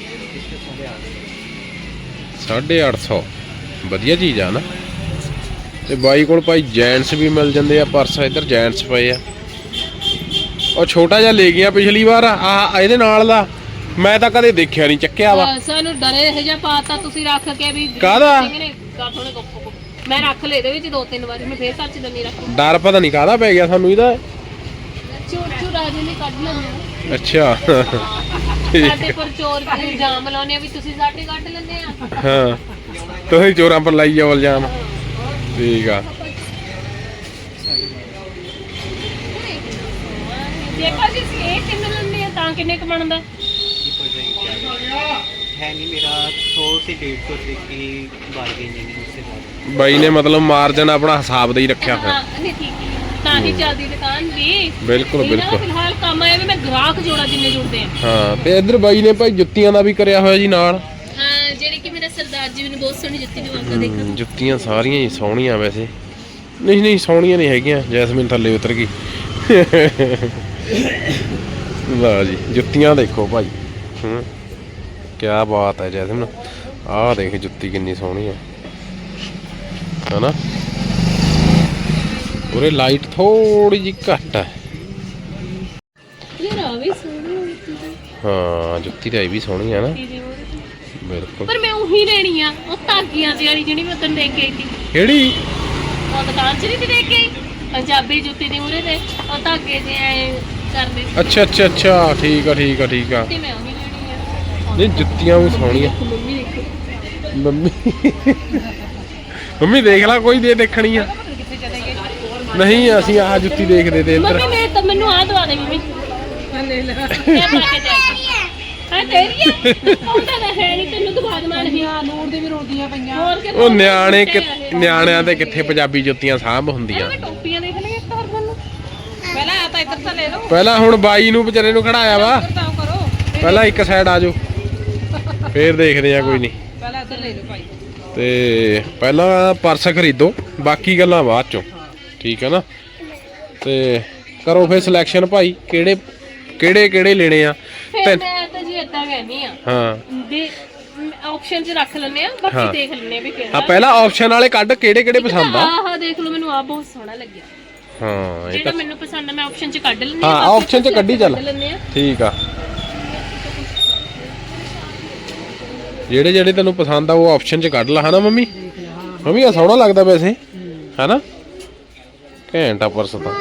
A: ਹੈ
B: 850 ਵਧੀਆ ਚੀਜ਼ ਆ ਨਾ। ਤੇ ਬਾਈ ਕੋਲ ਭਾਈ ਜੈਂਟਸ ਵੀ ਮਿਲ ਜਾਂਦੇ ਆ ਪਰਸ। ਇੱਧਰ ਜੈਂਟਸ ਪਏ ਆ। ਉਹ ਛੋਟਾ ਜਿਹਾ ਲੈ ਗਿਆ ਪਿਛਲੀ ਵਾਰ ਆ ਇਹਦੇ ਨਾਲ ਦਾ ਮੈਂ ਤਾਂ ਕਦੇ ਦੇਖਿਆ ਨਹੀਂ ਚੱਕਿਆ ਵਾ।
A: ਸਾਨੂੰ ਡਰੇ ਇਹ ਜਿਹਾ ਪਾਤਾ ਤੁਸੀਂ ਰੱਖ ਕੇ ਵੀ
B: ਕਾਹਦਾ?
A: ਮੈਂ ਰੱਖ ਲਏ ਇਹਦੇ ਵਿੱਚ 2-3 ਵਾਰੀ ਮੈਂ ਫੇਰ ਸੱਚ ਦੰਨੀ ਰੱਖ
B: ਡਰ ਪਤਾ ਨਹੀਂ ਕਾਹਦਾ ਪੈ ਗਿਆ ਸਾਨੂੰ ਇਹਦਾ।
A: ਚੋਰ ਰਾਜੇ ਨੇ ਕੱਢ ਲੈਣਾ
B: ਅੱਛਾ
A: ਸਾਡੇ ਪਰ ਚੋਰ ਦੇ ਇਲਜ਼ਾਮ ਲਾਉਣੇ ਆ ਵੀ ਤੁਸੀਂ ਸਾਡੇ ਕੱਢ ਲੈਂਦੇ ਆ
B: ਹਾਂ ਤੁਸੀਂ ਚੋਰਾਂ ਪਰ ਲਾਈ ਜਾਓ ਇਲਜ਼ਾਮ। ਠੀਕ ਆ।
A: ਦੇਖੋ ਜੀ ਇਹ ਕਿੰਨੇ ਲੈਂਦੇ ਆ ਤਾਂ ਕਿੰਨੇ ਕ ਬਣਦਾ
D: है नहीं मेरा 100 से 150 रुपए की बार्गेनिंग है उससे ज़्यादा।
B: ਬਾਈ ਨੇ ਮਤਲਬ ਮਾਰਜਨ ਆਪਣਾ ਹਿਸਾਬ ਦਾ ਹੀ ਰੱਖਿਆ ਹੋਇਆ।
A: ਹਾਂ ਨਹੀਂ ਠੀਕ ਹੈ ਤਾਂ ਹੀ ਚੱਲਦੀ ਦੁਕਾਨ ਵੀ
B: ਬਿਲਕੁਲ
A: ਇਹਨਾਂ ਦਾ
B: ਬਿਲਕੁਲ।
A: ਫਿਲਹਾਲ ਕੰਮ ਆਇਆ ਵੀ ਮੈਂ ਗ੍ਰਾਹਕ ਜੋੜਾ ਜਿੰਨੇ ਜੁੜਦੇ ਆ
B: ਹਾਂ ਤੇ ਇੱਧਰ ਬਾਈ ਨੇ ਭਾਈ ਜੁੱਤੀਆਂ ਦਾ ਵੀ ਕਰਿਆ ਹੋਇਆ ਜੀ ਨਾਲ।
A: ਹਾਂ ਜਿਹੜੇ ਕਿ ਮੇਰੇ ਸਰਦਾਰ ਜੀ ਮੈਨੂੰ ਬਹੁਤ ਸੋਹਣੀ ਜੁੱਤੀ ਦਵਾਉਂਦਾ ਦੇਖੋ
B: ਜੁੱਤੀਆਂ ਸਾਰੀਆਂ ਹੀ ਸੋਹਣੀਆਂ ਵੈਸੇ। ਨਹੀਂ ਸੋਹਣੀਆਂ ਨਹੀਂ ਹੈਗੀਆਂ। ਜੈਸਮੀਨ ਥੱਲੇ ਉਤਰ ਗਈ। ਵਾਹ ਜੀ ਜੁੱਤੀਆਂ ਦੇਖੋ ਭਾਈ। ਕਿਆ ਬਾਤ ਹੈ ਜੈਸਮੀਨ। ਆਹ ਦੇਖ ਜੁੱਤੀ ਕਿੰਨੀ ਸੋਹਣੀ ਹੈ ਹਨਾ। ਉਰੇ ਲਾਈਟ ਥੋੜੀ ਜਿਹੀ ਘੱਟ ਹੈ।
A: ਯਾਰ ਆ ਵੀ ਸੋਹਣੀ ਜੁੱਤੀ
B: ਹਾਂ ਜੁੱਤੀ ਤਾਂ ਇਹ ਵੀ ਸੋਹਣੀ ਹੈ ਨਾ।
A: ਦੀ
B: ਬਿਲਕੁਲ।
A: ਪਰ ਮੈਂ ਉਹੀ ਲੈਣੀ ਆ ਉਹ ਧਾਗੀਆਂ ਦੀ ਵਾਲੀ ਜਿਹੜੀ ਮੈਂ ਤੈਨੂੰ ਦੇਖ ਕੇ ਆਈ ਸੀ
B: ਕਿਹੜੀ?
A: ਉਹ ਦੁਕਾਨ 'ਚ ਨਹੀਂ ਸੀ ਦੇਖ ਕੇ ਆਈ ਪੰਜਾਬੀ ਜੁੱਤੀ ਦੀ ਮੂਰੇ ਤੇ ਉਹ ਧਾਗੇ ਜੇ ਐ ਕਰਦੇ
B: ਅੱਛਾ ਅੱਛਾ ਅੱਛਾ ਠੀਕ ਆ ਠੀਕ ਆ ਠੀਕ ਆ।
A: ਤੇ ਮੈਂ ਉਹੀ ਲੈਣੀ ਆ
B: ਨਹੀਂ ਜੁੱਤੀਆਂ ਵੀ ਸੋਹਣੀਆਂ।
A: ਮੰਮੀ ਦੇਖੋ
B: ਮੰਮੀ ਮੰਮੀ ਦੇਖ ਲਾ ਕੋਈ ਦੇ ਦੇਖਣੀ ਆ।
C: ਕਿੱਥੇ ਚਲੇ ਗਏ?
B: ਨਹੀਂ ਅਸੀਂ ਆਹ ਜੁੱਤੀ ਦੇਖਦੇ ਤੇ ਇੱਧਰ।
A: ਮੰਮੀ ਮੈਂ ਤਾਂ ਮੈਨੂੰ ਆ ਦਵਾ ਦੇ ਮੰਮੀ
C: ਲੈ ਲੈ
A: ਇਹ ਪਾ ਕੇ ਜਾਏਗੀ ਹਾਂ ਤੇਰੀ ਆ ਉਹਦਾ ਤਾਂ ਹੈ ਨਹੀਂ ਤੈਨੂੰ ਦਵਾ ਦਵਾਂ ਨਹੀਂ
C: ਆ ਨੂਰ ਦੇ ਵੀ ਰੋਦੀਆਂ ਪਈਆਂ।
A: ਹੋਰ ਕਿ
B: ਉਹ ਨਿਆਣਿਆਂ ਤੇ ਕਿੱਥੇ ਪੰਜਾਬੀ ਜੁੱਤੀਆਂ ਸਾਂਭ ਹੁੰਦੀਆਂ।
A: ਮੈਂ ਟੋਪੀਆਂ ਦੇਖ ਲਈਆਂ ਇੱਕ ਹੋਰ ਮੈਨੂੰ
C: ਪਹਿਲਾਂ ਆ ਤਾਂ ਇੱਧਰ ਤਾਂ ਲੈ ਲਓ।
B: ਪਹਿਲਾਂ ਹੁਣ ਬਾਈ ਨੂੰ ਵਿਚਾਰੇ ਨੂੰ ਖੜਾਇਆ ਵਾ।
C: ਇੱਧਰ ਤਾਂ ਕਰੋ।
B: ਪਹਿਲਾਂ ਇੱਕ ਸਾਈਡ ਆ ਜਾਓ। ਫੇਰ ਦੇਖਦੇ ਆ ਕੋਈ ਨਹੀਂ।
C: ਪਹਿਲਾਂ ਇੱਧਰ ਲੈ ਲਓ ਭਾਈ।
B: ਤੇ ਪਹਿਲਾਂ ਪਰਸ ਖਰੀਦੋ, ਬਾਕੀ ਗੱਲਾਂ ਬਾਅਦ ਚੋਂ, ਠੀਕ ਹੈ ਨਾ। ਤੇ ਕਰੋ ਫਿਰ ਸਿਲੈਕਸ਼ਨ ਭਾਈ, ਕਿਹੜੇ ਲੈਣੇ ਆ।
A: ਫਿਰ ਮੈਂ ਤਾਂ ਜੀ ਏਦਾਂ ਕਹਿੰਦੀ ਆ,
B: ਹਾਂ
A: ਦੇ ਆਪਸ਼ਨ 'ਚ ਰੱਖ ਲੈਣੇ ਆ, ਬਾਕੀ ਦੇਖ ਲੈਣੇ ਵੀ ਕਿਹੜਾ।
B: ਹਾਂ ਪਹਿਲਾਂ ਆਪਸ਼ਨ ਵਾਲੇ ਕੱਢ, ਕਿਹੜੇ ਪਸੰਦ ਆ।
A: ਆਹ ਦੇਖ ਲਓ, ਮੈਨੂੰ ਆ ਬਹੁਤ ਸੋਹਣਾ ਲੱਗਿਆ।
B: ਹਾਂ ਇਹ
A: ਜਿਹੜਾ
B: ਤਾਂ
A: ਮੈਨੂੰ ਪਸੰਦ ਆ ਮੈਂ ਆਪਸ਼ਨ 'ਚ ਕੱਢ ਲੈਣੀ
B: ਹਾਂ, ਆਪਸ਼ਨ 'ਚ ਕੱਢੀ ਚੱਲ, ਠੀਕ ਆ। ਜਿਹੜੇ ਤੈਨੂੰ ਪਸੰਦ ਆ ਉਹ ਆਪਸ਼ਨ 'ਚ ਕੱਢ ਲਾ, ਹਨਾ ਮੰਮੀ। ਮੰਮੀ ਆ ਸੋਹਣਾ ਲੱਗਦਾ ਵੈਸੇ, ਹਨਾ। ਘੈਂਟ ਆ ਪਰਸ ਤਾਂ।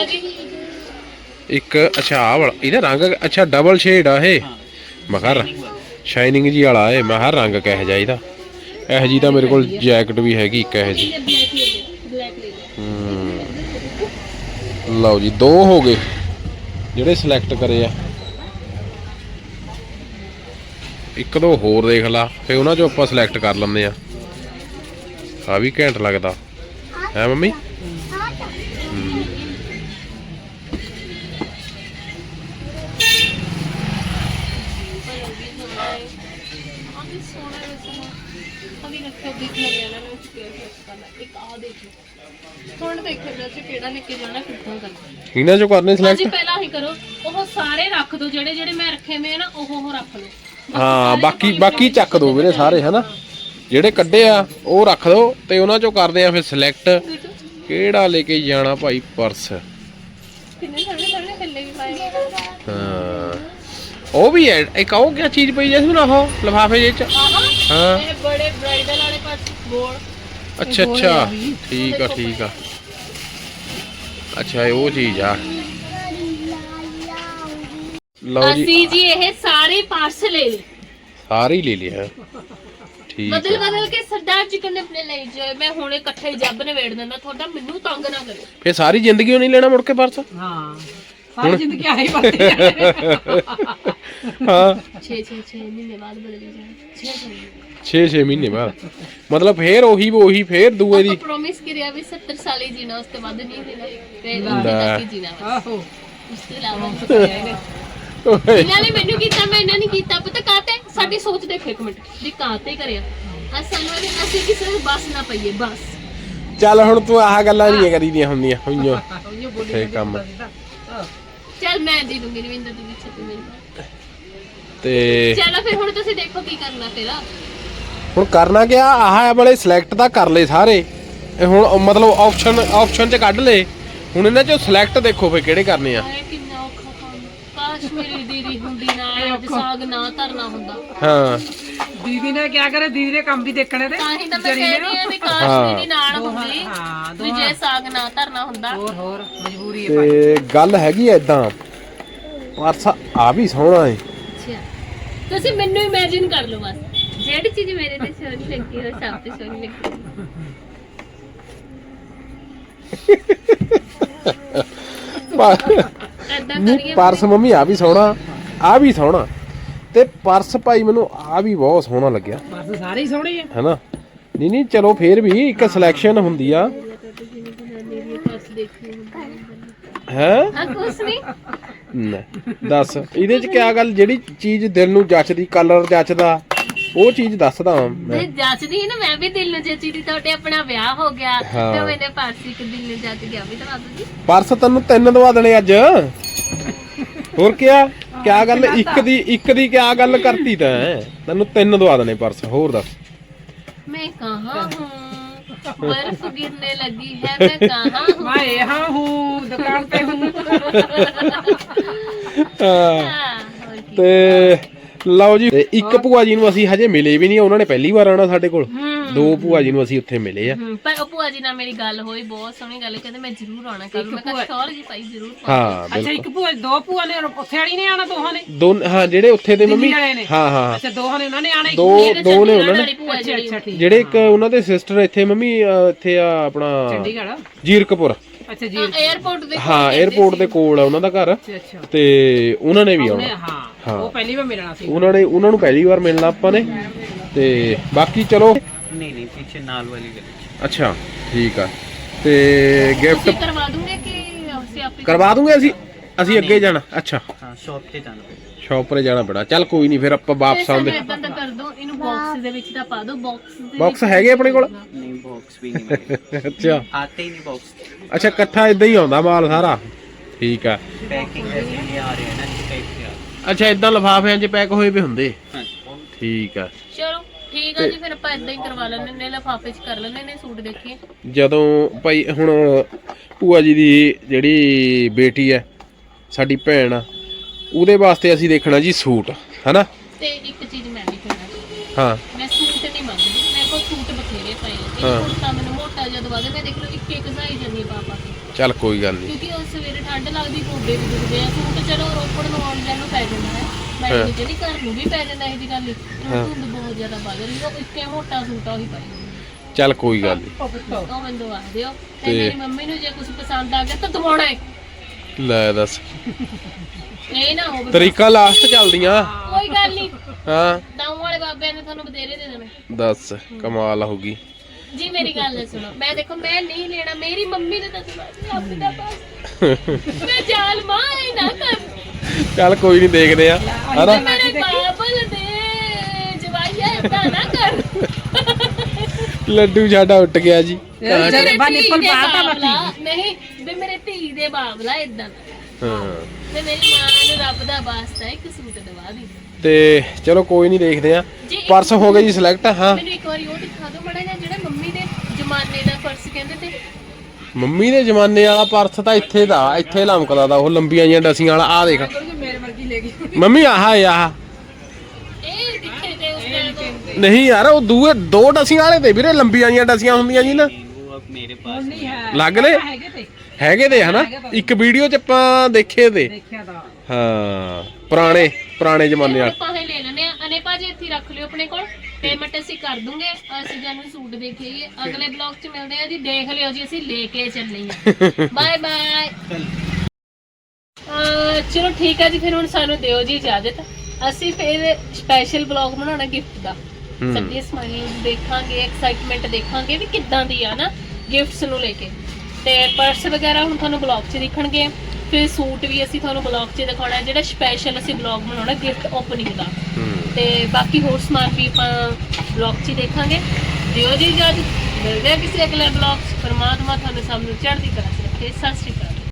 B: ਇੱਕ ਅੱਛਾ ਆਹ ਵਾਲਾ, ਇਹਦਾ ਰੰਗ ਅੱਛਾ ਡਬਲ ਸ਼ੇਡ ਆ ਇਹ। ਮੈਂ ਕਿਹਾ ਸ਼ਾਈਨਿੰਗ ਜੀ ਵਾਲਾ ਇਹ, ਮੈਂ ਹਰ ਰੰਗ ਕਿਹੋ ਜਿਹਾ ਇਹਦਾ। ਇਹੋ ਜੀ ਤਾਂ ਮੇਰੇ ਕੋਲ ਜੈਕਟ ਵੀ ਹੈਗੀ ਇੱਕ ਇਹੋ ਜੀ। ਲਓ ਜੀ 2 ਹੋ ਗਏ ਜਿਹੜੇ ਸਿਲੈਕਟ ਕਰੇ ਆ। 1-2 ਹੋਰ ਦੇਖ ਲਾ, ਫੇ ਉਹਨਾਂ ਚੋਂ ਆਪਾਂ ਸਿਲੈਕਟ ਕਰ ਲੈਂਦੇ ਆ। ਆ ਵੀ ਘੈਂਟ ਲੱਗਦਾ ਹੈ ਮੰਮੀ। ਇਹਨਾਂ ਚੋਂ ਕਰਨੇ ਸਿਲੈਕਟ।
A: ਪਹਿਲਾਂ ਹੀ ਕਰੋ, ਉਹ ਸਾਰੇ ਰੱਖ ਦੋ ਜਿਹੜੇ ਮੈਂ ਰੱਖੇ ਹੋਏ ਨਾ, ਉਹ ਰੱਖ ਲਓ।
B: ਹਾਂ ਬਾਕੀ ਚੱਕ ਦੋ ਵੀਰੇ ਸਾਰੇ, ਹਨਾ। ਜਿਹੜੇ ਕੱਢੇ ਆ ਉਹ ਰੱਖ ਦੋ, ਤੇ ਉਹਨਾਂ ਚੋਂ ਕਰਦੇ ਆ ਫਿਰ ਸਿਲੈਕਟ ਕਿਹੜਾ ਲੈ ਕੇ ਜਾਣਾ ਭਾਈ ਪਰਸ।
A: ਕਿੰਨੇ ਸੋਹਣੇ ਥੱਲੇ ਵੀ ਪਾਏ।
B: ਹਾਂ ਉਹ ਵੀ ਹੈ ਇੱਕ, ਉਹ ਕਿਆ ਚੀਜ਼ ਪਈ ਜੈਸਮੀਨ, ਉਹ ਲਿਫਾਫੇ ਜਿਹੇ ਚ। ਹਾਂ
A: ਇਹ ਬੜੇ ਬ੍ਰਾਈਡਲ ਵਾਲੇ ਪਰਸ ਗੋਲ।
B: ਅੱਛਾ ਠੀਕ ਆ। ਅੱਛਾ ਇਹ ਉਹ ਚੀਜ਼ ਆ। ਲਓ ਜੀ
A: ਅਸੀਂ ਜੀ ਇਹ ਸਾਰੇ ਪਰਸ ਲੈ ਲਏ,
B: ਸਾਰੇ ਹੀ ਲੈ ਲਿਆ, ਠੀਕ
A: ਬਦਲ ਕੇ ਸਰਦਾਰ ਜੀ ਕਹਿੰਦੇ ਆਪਣੇ ਲਈ ਜਾਏ। ਮੈਂ ਹੁਣ ਇਕੱਠੇ ਹੀ ਜੱਬ ਨਵੇੜ ਦਿੰਦਾ ਤੁਹਾਡਾ, ਮੈਨੂੰ ਤੰਗ ਨਾ ਕਰੇ।
B: ਫੇ ਸਾਰੀ ਜ਼ਿੰਦਗੀ ਉਹ ਨਹੀਂ ਲੈਣਾ ਮੁੜ ਕੇ ਪਰਸ।
C: ਹਾਂ ਸਾਰੀ ਜ਼ਿੰਦਗੀ ਆਹੀ ਵਰਤੇ
B: ਹਾਂ
A: 6 ਮਹੀਨੇ ਬਾਅਦ ਬਦਲੀ ਜਾਏ।
B: 6 ਮਹੀਨੇ ਬਾਅਦ, ਮਤਲਬ ਫੇਰ ਉਹੀ ਫੇਰ ਦੂਏ ਦੀ
A: ਪ੍ਰੋਮਿਸ ਕਰਿਆ ਵੀ 70 ਸਾਲ ਹੀ ਜੀਣਾ, ਉਸ ਤੋਂ ਬਾਅਦ ਨਹੀਂ ਦੇਣਾ, ਫਿਰ ਤੱਕ ਹੀ ਜੀਣਾ ਬਸ।
C: ਆਹੋ
A: ਉਸ ਤੋਂ ਇਲਾਵਾ ਇਹਨਾਂ ਨੇ ਮੈਨੂੰ ਕੀਤਾ, ਮੈਂ ਇਹਨਾਂ ਨੇ ਕੀਤਾ। ਪਤਾ ਕਾਤੇ ਸਾਡੀ ਸੋਚ ਦੇਖੋ ਇੱਕ ਮਿੰਟ ਵੀ ਕਾਤੇ ਕਰਿਆ। ਅਸੀਂ ਕਿਸੇ ਨੂੰ ਬਸ ਨਾ ਪਈਏ ਬਸ।
B: ਚੱਲ ਹੁਣ ਤੂੰ ਆਹ ਗੱਲਾਂ ਨਹੀਂ ਕਰੀਦੀਆਂ ਹੁੰਦੀਆਂ ਹੋਈਆਂ ਫੇ ਕੰਮ।
A: ਚੱਲ ਮੈਂ ਦੇ ਦੂੰਗੀ ਰਵਿੰਦਰ ਦੀ ਪਿੱਛੇ ਤੇ ਮੇਰੀ
B: ਤੇ
A: ਚਲੋ ਫਿਰ ਹੁਣ ਤੁਸੀਂ ਦੇਖੋ ਕੀ ਕਰਨਾ ਫਿਰ।
B: ਹੁਣ ਕਰਨਾ ਕਿਆ, ਆਹ ਵਾਲੇ ਸਿਲੈਕਟ ਤਾਂ ਕਰ ਲਏ ਸਾਰੇ। ਇਹ ਹੁਣ ਮਤਲਬ ਆਪਸ਼ਨ ਚ ਕੱਢ ਲਏ। ਹੁਣ ਇਹਨਾਂ ਚੋਂ ਸਿਲੈਕਟ ਦੇਖੋ ਫੇ ਕਿਹੜੇ ਕਰਨੇ ਆ।
A: ਕਿੰਨਾ ਔਖਾ ਕੰਮ, ਕਾਸ਼ ਮੇਰੀ ਦੀਦੀ ਹੁੰਦੀ ਨਾ, ਅੱਜ ਸਾਗ ਨਾ ਧਰਨਾ ਹੁੰਦਾ।
B: ਹਾਂ
C: ਦੀਦੀ ਨੇ ਕਿਆ ਕਰੇ, ਦੀਦੀ ਨੇ ਕੰਮ ਵੀ ਦੇਖਣੇ ਤੇ।
A: ਤਾਂ ਹੀ ਤਾਂ ਮੈਂ ਕਹਿੰਦੀ ਆ ਵੀ ਕਾਸ਼ ਦੀਦੀ ਨਾਲ ਹੁੰਦੀ, ਵੀ ਜੇ ਸਾਗ ਨਾ ਧਰਨਾ ਹੁੰਦਾ।
C: ਹੋਰ ਮਜਬੂਰੀ ਹੈ
B: ਤੇ ਗੱਲ ਹੈਗੀ ਏਦਾਂ, ਪਰਸ ਆ ਵੀ ਸੋਹਣਾ ਏ।
A: ਅੱਛਾ ਤੁਸੀਂ ਮੈਨੂੰ ਇਮੇਜਿਨ ਕਰ ਲਓ ਬਸ, ਜਿਹੜੀ ਚੀਜ਼ ਮੇਰੇ ਤੇ ਸੋਹਣੀ ਲੱਗਦੀ ਹੈ ਸਭ ਤੇ ਸੋਹਣੀ ਲੱਗਦੀ
B: ਨਹੀਂ ਪਰਸ ਮੰਮੀ ਆ ਵੀ ਸੋਹਣਾ, ਆ ਵੀ ਸੋਹਣਾ, ਤੇ ਪਰਸ ਭਾਈ ਮੈਨੂੰ ਆ ਵੀ ਬਹੁਤ ਸੋਹਣਾ ਲੱਗਿਆ।
C: ਬਸ ਸਾਰੇ ਹੀ ਸੋਹਣੇ ਆ,
B: ਹੈਨਾ। ਨਹੀਂ ਚਲੋ ਫੇਰ ਵੀ ਇੱਕ ਸਿਲੈਕਸ਼ਨ ਹੁੰਦੀ ਆ। ਹੈ
A: ਕੁਛ ਨਹੀਂ
B: ਦੱਸ ਇਹਦੇ ਚ ਕਿਆ ਗੱਲ, ਜਿਹੜੀ ਚੀਜ਼ ਦਿਲ ਨੂੰ ਜੱਚਦੀ, ਕਲਰ ਜੱਚਦਾ, ਉਹ ਚੀਜ਼ ਦੱਸਦਾ ਮੈਂ।
A: ਜੱਚਦੀ ਨਾ, ਮੈਂ ਵੀ ਦਿਲ ਨੂੰ ਜੱਚੀ ਦੀ। ਤੁਹਾਡੇ ਆਪਣਾ ਵਿਆਹ ਹੋ ਗਿਆ ਤੇ ਮੈਨੇ ਪਰਸ ਇੱਕ ਦਿਲ ਨੂੰ ਜੱਚ ਗਿਆ ਵੀ ਤਾਂ ਜੀ।
B: ਪਰਸ ਤੈਨੂੰ 3 ਦਵਾ ਦੇਣੇ ਅੱਜ, ਹੋਰ ਕਿਆ ਗੱਲ, ਇੱਕ ਦੀ ਕਿਆ ਗੱਲ ਕਰਤੀ ਤੈਂ, ਤੈਨੂੰ 3 ਦਵਾ ਦੇਣੇ ਪਰਸ। ਹੋਰ ਦੱਸ।
A: मैं कहाँ हूँ, बर्फ गिरने लगी है, मैं कहाँ हूँ,
C: मैं यहाँ हूँ, दुकान पे हूँ।
B: ਤੇ ਲਓ ਜੀ, ਇੱਕ ਭੂਆ ਜੀ ਨੂੰ ਅਸੀਂ ਹਜੇ ਮਿਲੇ ਵੀ ਨਹੀਂ, ਉਹਨਾਂ ਨੇ ਪਹਿਲੀ ਵਾਰ ਆਉਣਾ ਸਾਡੇ ਕੋਲ। 2 ਭੂਆ ਜੀ ਨੂੰ ਅਸੀਂ ਉੱਥੇ ਮਿਲੇ ਆ।
A: ਪਰ ਉਹ ਭੂਆ ਜੀ ਨਾਲ ਮੇਰੀ ਗੱਲ ਹੋਈ, ਬਹੁਤ ਸੋਹਣੀ ਗੱਲ, ਕਹਿੰਦੇ ਮੈਂ ਜ਼ਰੂਰ ਆਉਣਾ ਕੱਲ। ਮੈਂ ਕਿਹਾ ਸ਼ੋਰ ਜੀ ਭਾਈ ਜ਼ਰੂਰ।
B: ਹਾਂ
C: ਅੱਛਾ ਇੱਕ ਭੂਆ, 2 ਭੂਆ ਨੇ ਉੱਥੇ ਵਾਲੀ ਨੇ ਆਣਾ, ਦੋਹਾਂ ਨੇ
B: ਹਾਂ ਜਿਹੜੇ ਉੱਥੇ ਦੇ ਮੰਮੀ। ਹਾਂ
C: ਅੱਛਾ ਦੋਹਾਂ ਨੇ ਉਹਨਾਂ ਨੇ ਆਣਾ,
B: ਦੋ ਨੇ ਉਹਨਾਂ ਨੇ।
C: ਅੱਛਾ ਠੀਕ।
B: ਜਿਹੜੇ ਇੱਕ ਉਹਨਾਂ ਦੇ ਸਿਸਟਰ ਇੱਥੇ ਮੰਮੀ ਇੱਥੇ ਆ ਆਪਣਾ
C: ਚੰਡੀਗੜ੍ਹ
B: ਜੀਰਕਪੁਰ।
C: ਅੱਛਾ ਜੀ
A: 에어ਪੋਰਟ ਦੇ
B: ਹਾਂ 에어ਪੋਰਟ ਦੇ ਕੋਲ ਆ ਉਹਨਾਂ ਦਾ ਘਰ।
C: ਅੱਛਾ
B: ਤੇ ਉਹਨਾਂ ਨੇ ਵੀ ਆਉਣਾ।
C: ਹਾਂ ਉਹ ਪਹਿਲੀ ਵਾਰ ਮਿਲਣਾ ਸੀ
B: ਉਹਨਾਂ ਨੂੰ ਪਹਿਲੀ ਵਾਰ ਮਿਲਣਾ ਆਪਾਂ ਨੇ। ਤੇ ਬਾਕੀ ਚਲੋ
D: नहीं पीछे नाल वाली गली।
B: ਅੱਛਾ ਠੀਕ ਆ। ਤੇ ਗਿਫਟ
A: करवा दूंगे कि आपसे आप
B: ਕਰਵਾ ਦੂੰਗੇ ਅਸੀਂ। ਅਸੀਂ ਅੱਗੇ ਜਾਣਾ ਅੱਛਾ
D: हाँ शॉप पे जाना पड़ेगा
B: ਸ਼ੌਪ 'ਤੇ ਜਾਣਾ ਪੈਣਾ ਚੱਲ ਕੋਈ ਨਹੀਂ ਫਿਰ ਆਪਾਂ ਵਾਪਸ ਆਉਂਦੇ
A: ਇਦਾਂ ਤਾਂ ਕਰ ਦੋ ਇਹਨੂੰ ਬਾਕਸ ਦੇ ਵਿੱਚ ਤਾਂ ਪਾ ਦੋ ਬਾਕਸ
B: ਬਾਕਸ ਹੈਗੇ ਆਪਣੇ ਕੋਲ
D: नहीं बॉक्स भी नहीं मिलेगा
B: ਅੱਛਾ
D: आते ही नहीं बॉक्स
B: ਅੱਛਾ ਇਕੱਠਾ ਇਦਾਂ ਹੀ ਆਉਂਦਾ ਮਾਲ ਸਾਰਾ ਠੀਕ ਆ
D: पैकिंग जैसे ये आ रहे हैं ना इस टाइप के आ रहे
B: ਅੱਛਾ ਇਦਾਂ ਲਿਫਾਫਿਆਂ 'ਚ ਪੈਕ ਹੋਏ ਵੀ ਹੁੰਦੇ
D: हैं हाँ
B: ਠੀਕ ਆ
A: ਚਲੋ ਠੀਕ ਆ ਜੀ ਫਿਰ ਆਪਾਂ ਇਦਾਂ ਹੀ ਕਰਵਾ ਲੈਣੇ ਨੇ ਲਿਫਾਫੇ 'ਚ ਕਰ ਲੈਣੇ ਨੇ ਸੂਟ ਦੇਖੀਏ
B: ਜਦੋਂ ਭਾਈ ਹੁਣ ਭੂਆ ਜੀ ਦੀ ਜਿਹੜੀ ਬੇਟੀ ਹੈ ਸਾਡੀ ਭੈਣ ਆ ਉਹਦੇ ਵਾਸਤੇ ਅਸੀਂ ਦੇਖਣਾ ਜੀ ਸੂਟ ਹਨਾ
A: ਤੇ ਇੱਕ ਚੀਜ਼ ਮੈਂ ਵੀ ਕਹਿਣਾ
B: ਹਾਂ
A: ਮੈਂ ਸੂਟ ਨਹੀਂ ਮੰਗਦੀ ਮੇਰੇ ਕੋਲ ਸੂਟ ਬਥੇਰੇ ਪਏ ਆ
B: ਹਾਂ।
A: ਇਹ ਕੁੜਤਾ ਮੈਨੂੰ ਮੋਟਾ ਜਿਹਾ ਦਵਾ ਦੇ ਮੈਂ ਦੇਖ ਲਓ ਇੱਕ ਸਾਈ ਜੰਨੀ ਪਾ ਕੇ
B: ਚੱਲ ਕੋਈ ਗੱਲ ਨਹੀਂ
A: ਕਿਉਂਕਿ ਉਸ ਸਵੇਰੇ ਠੰਡ ਲੱਗਦੀ ਗੋਡੇ ਵੀ ਦੁਖਦੇ ਆ ਸੂਟ ਚਲੋ ਰੋਪੜ ਨੂੰ ਆਉਣ ਜਾਣ ਨੂੰ ਪੈ ਜਾਂਦਾ ਹੈ ਮੈਂ
B: ਹਾਂ।
A: ਨਹੀਂ ਕਹਿੰਦੀ ਘਰ ਨੂੰ ਵੀ ਪੈ ਜਾਂਦਾ ਇਹ ਜੀ ਗੱਲ ਨਹੀਂ ਧੁੰਦ ਬਹੁਤ ਜ਼ਿਆਦਾ ਵੱਧ ਰਹੀ ਉਹ ਇੱਕੇ ਮੋਟਾ ਸੂਟ ਆ ਉਹੀ ਪਾਈ
B: ਚੱਲ ਕੋਈ ਗੱਲ ਨਹੀਂ
A: ਉਹ ਮੈਨੂੰ ਦਵਾ ਦਿਓ ਤੇ
B: ਤੇ-
A: ਮੇਰੀ ਮੰਮੀ ਨੂੰ ਜੇ ਕੁਝ ਪਸੰਦ ਆ ਗਿਆ ਤਾਂ ਦਵਾਉਣਾ ਹੈ
B: ਲੈ ਦੱਸ
A: ਇਹ ਨਾ ਹੋਵੇ
B: ਤਰੀਕਾ ਲਾਸਟ ਚੱਲਦੀਆਂ
A: ਕੋਈ ਗੱਲ ਨਹੀਂ
B: ਹਾਂ
A: ਦਾਉ ਵਾਲੇ ਬਾਬਿਆਂ ਨੇ ਤੁਹਾਨੂੰ ਬਥੇਰੇ ਦੇ ਦੇਣੇ
B: ਦੱਸ ਕਮਾਲ ਹੋ ਗਈ
A: ਜੀ ਮੇਰੀ ਗੱਲ ਸੁਣੋ ਮੈਂ ਦੇਖੋ ਮੈਂ ਨਹੀਂ ਲੈਣਾ ਮੇਰੀ ਮੰਮੀ ਨੇ ਤਾਂ ਦਵਾ ਰੱਬ ਦਾ ਬਸ ਮੈਂ ਜਾਲ ਮਾਂ ਇਹ ਨਾ ਕਰ
B: ਚੱਲ ਕੋਈ ਨਹੀਂ ਦੇਖਦੇ ਆ ਹਨਾ
A: ਮੇਰੇ ਬਾਬਲ ਦੇ ਜਵਾਈਆ ਏਦਾਂ ਨਾ ਕਰ
B: ਲੱਡੂ ਸਾਡਾ ਉੱਟ ਗਿਆ ਜੀ
A: ਮੇਰੇ ਧੀ ਦੇ ਬਾਬਲਾ ਨਹੀਂ ਵੀ ਮੇਰੇ ਧੀ ਦੇ ਬਾਬਲਾ ਏਦਾਂ ਨਾ
B: ਹਾਂ
A: ਤੇ ਮੇਰੀ ਮਾਂ ਨੂੰ ਰੱਬ ਦਾ ਵਾਸਤਾ ਇੱਕ ਸੂਟ ਦਵਾ ਦੀ
B: ਤੇ ਚਲੋ ਕੋਈ ਨਹੀਂ ਦੇਖਦੇ ਆ
A: ਜੀ, ਇੱਕ
B: ਪਰਸ ਹੋ ਗਏ ਜੀ ਸਿਲੈਕਟ ਹਾਂ
A: ਮੈਨੂੰ ਇੱਕ ਵਾਰੀ ਉਹ ਦਿਖਾ ਦਿਓ ਮੜਾ ਜਿਹੜਾ ਮੰਮੀ ਦੇ ਜ਼ਮਾਨੇ ਦਾ ਪਰਸ ਕਹਿੰਦੇ ਤੇ
B: ਮੰਮੀ ਦੇ ਜ਼ਮਾਨੇ ਵਾਲਾ ਪਰਸ ਤਾਂ ਇੱਥੇ ਦਾ ਇੱਥੇ ਲਮਕਦਾ ਦਾ ਉਹ ਲੰਬੀਆਂ ਜਿਹੀਆਂ ਡਸੀਆਂ ਵਾਲਾ ਆ ਦੇਖ
C: ਮੇਰੇ ਵਰਗੀ ਲੈ ਗਈ
B: ਮੰਮੀ ਆਹ ਆਹ
A: ਇਹ ਦਿਖੇ ਤੇ ਉਸ ਟਾਈਮ
B: ਨਹੀਂ ਯਾਰ ਉਹ ਦੂਏ ਦੋ ਡਸੀਆਂ ਵਾਲੇ ਤੇ ਵੀਰੇ ਲੰਬੀਆਂ ਜਿਹੀਆਂ ਡਸੀਆਂ ਹੁੰਦੀਆਂ ਜੀ ਨਾ
D: वो अब मेरे पास
C: ਨਹੀਂ ਹੈ
B: ਲੱਗ ਲੈ
C: ਹੈਗੇ ਤੇ
B: ਹੈਗੇ ਤੇ ਹਨਾ ਇੱਕ ਵੀਡੀਓ ਚ ਆਪਾਂ ਦੇਖੇ ਤੇ
C: ਦੇਖਿਆ ਤਾਂ
B: ਹਾਂ ਪੁਰਾਣੇ ਜ਼ਮਾਨੇ ਵਾਲੇ
A: ਆਪਾਂ ਇਹ ਲੈ ਲੈਣੇ ਆ ਅਨੇ ਭਾਜੀ ਇੱਥੇ ਹੀ ਰੱਖ ਲਿਓ ਆਪਣੇ ਕੋਲ ਪੇਮੈਂਟ ਅਸੀਂ ਕਰ ਦੂੰਗੇ ਅਸੀਂ ਜਾਨੂੰ ਸੂਟ ਦੇਖੀਏ ਅਗਲੇ ਬਲੌਗ 'ਚ ਮਿਲਦੇ ਆ ਜੀ ਦੇਖ ਲਿਓ ਜੀ ਅਸੀਂ ਲੈ ਕੇ ਚੱਲੇ ਆ ਬਾਏ ਬਾਏ ਚਲੋ ਠੀਕ ਹੈ ਜੀ ਫਿਰ ਹੁਣ ਸਾਨੂੰ ਦਿਓ ਜੀ ਇਜਾਜ਼ਤ ਅਸੀਂ ਫਿਰ ਸਪੈਸ਼ਲ ਬਲੌਗ ਬਣਾਉਣਾ ਗਿਫਟ ਦਾ ਸੱਚੀ ਸਮਾਈਲਿੰਗ ਦੇਖਾਂਗੇ ਐਕਸਾਈਟਮੈਂਟ ਦੇਖਾਂਗੇ ਵੀ ਕਿੱਦਾਂ ਦੀ ਆ ਨਾ ਗਿਫਟਸ ਨੂੰ ਲੈ ਕੇ ਤੇ ਪਰਸ ਵਗੈਰਾ ਹੁਣ ਤੁਹਾਨੂੰ ਬਲੌਗ 'ਚ ਦਿਖਣਗੇ ਫਿਰ ਸੂਟ ਵੀ ਅਸੀਂ ਤੁਹਾਨੂੰ ਬਲੌਗ 'ਚ ਦਿਖਾਉਣਾ ਜਿਹੜਾ ਸਪੈਸ਼ਲ ਅਸੀਂ ਬਲੌਗ ਬਣਾਉਣਾ ਗਿਫਟ ਓਪਨਿੰਗ ਦਾ ਤੇ ਬਾਕੀ ਹੋਰ ਸਮਾਨ ਵੀ ਆਪਾਂ ਬਲੌਗ 'ਚ ਹੀ ਦੇਖਾਂਗੇ ਦਿਓ ਜੀ ਇਜਾਜ਼ਤ ਮਿਲਦੇ ਆ ਕਿਸੇ ਅਗਲੇ ਬਲੌਗ 'ਚ ਪਰਮਾਤਮਾ ਤੁਹਾਨੂੰ ਸਭ ਨੂੰ ਚੜ੍ਹਦੀ ਕਲਾ 'ਚ ਰੱਖੇ ਸਤਿ ਸ਼੍ਰੀ ਅਕਾਲ